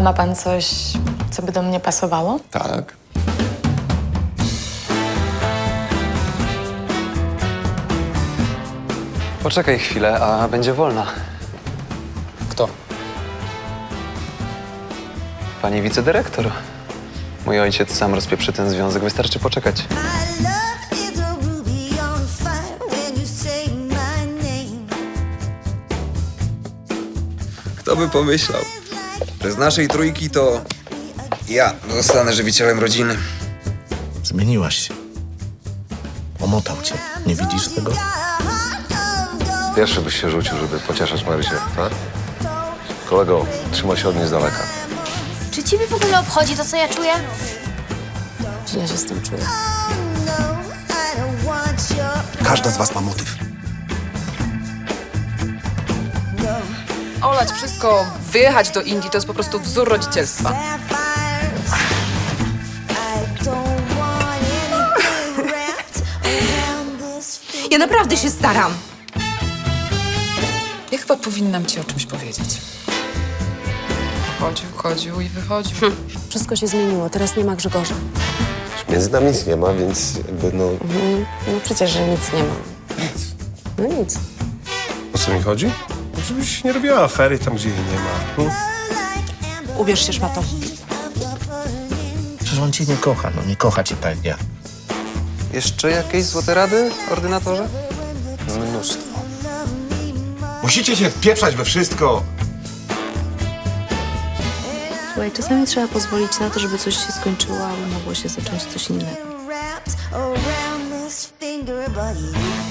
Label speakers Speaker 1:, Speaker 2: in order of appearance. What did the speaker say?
Speaker 1: ma pan coś, co by do mnie pasowało?
Speaker 2: Tak.
Speaker 3: Poczekaj chwilę, a będzie wolna.
Speaker 2: Kto?
Speaker 3: Pani wicedyrektor. Mój ojciec sam rozpieprzy ten związek, wystarczy poczekać.
Speaker 4: My love is a ruby on fire when you say my name.
Speaker 2: Kto by pomyślał, że z naszej trójki to ja zostanę żywicielem rodziny.
Speaker 5: Zmieniłaś się. Omotał cię. Nie widzisz tego?
Speaker 6: Pierwszy byś się rzucił, żeby pocieszać Marysię, tak? Kolego, trzymaj się od niej z daleka.
Speaker 7: Czy ciebie w ogóle obchodzi to, co ja czuję?
Speaker 1: Źle się z tym czuję.
Speaker 5: Każda z was ma motyw.
Speaker 8: Olać wszystko, wyjechać do Indii to jest po prostu wzór rodzicielstwa.
Speaker 9: Ja naprawdę się staram.
Speaker 8: Ja chyba powinnam ci o czymś powiedzieć. Chodził i wychodził.
Speaker 10: Wszystko się zmieniło, teraz nie ma Grzegorza.
Speaker 6: Między nami nic nie ma, więc jakby no...
Speaker 10: No przecież, że nic nie ma. No nic.
Speaker 6: O co mi chodzi? Żebyś nie robiła afery tam, gdzie jej nie ma.
Speaker 9: Ubierz się, szmato.
Speaker 5: Przecież on cię nie kocha, no nie kocha cię tak jak ja.
Speaker 3: Jeszcze jakieś złote rady, ordynatorze?
Speaker 6: Mnóstwo.
Speaker 11: Musicie się wpieprzać we wszystko.
Speaker 10: Słuchaj, czasami trzeba pozwolić na to, żeby coś się skończyło, aby mogło się zacząć coś innego.
Speaker 4: Around this finger, but you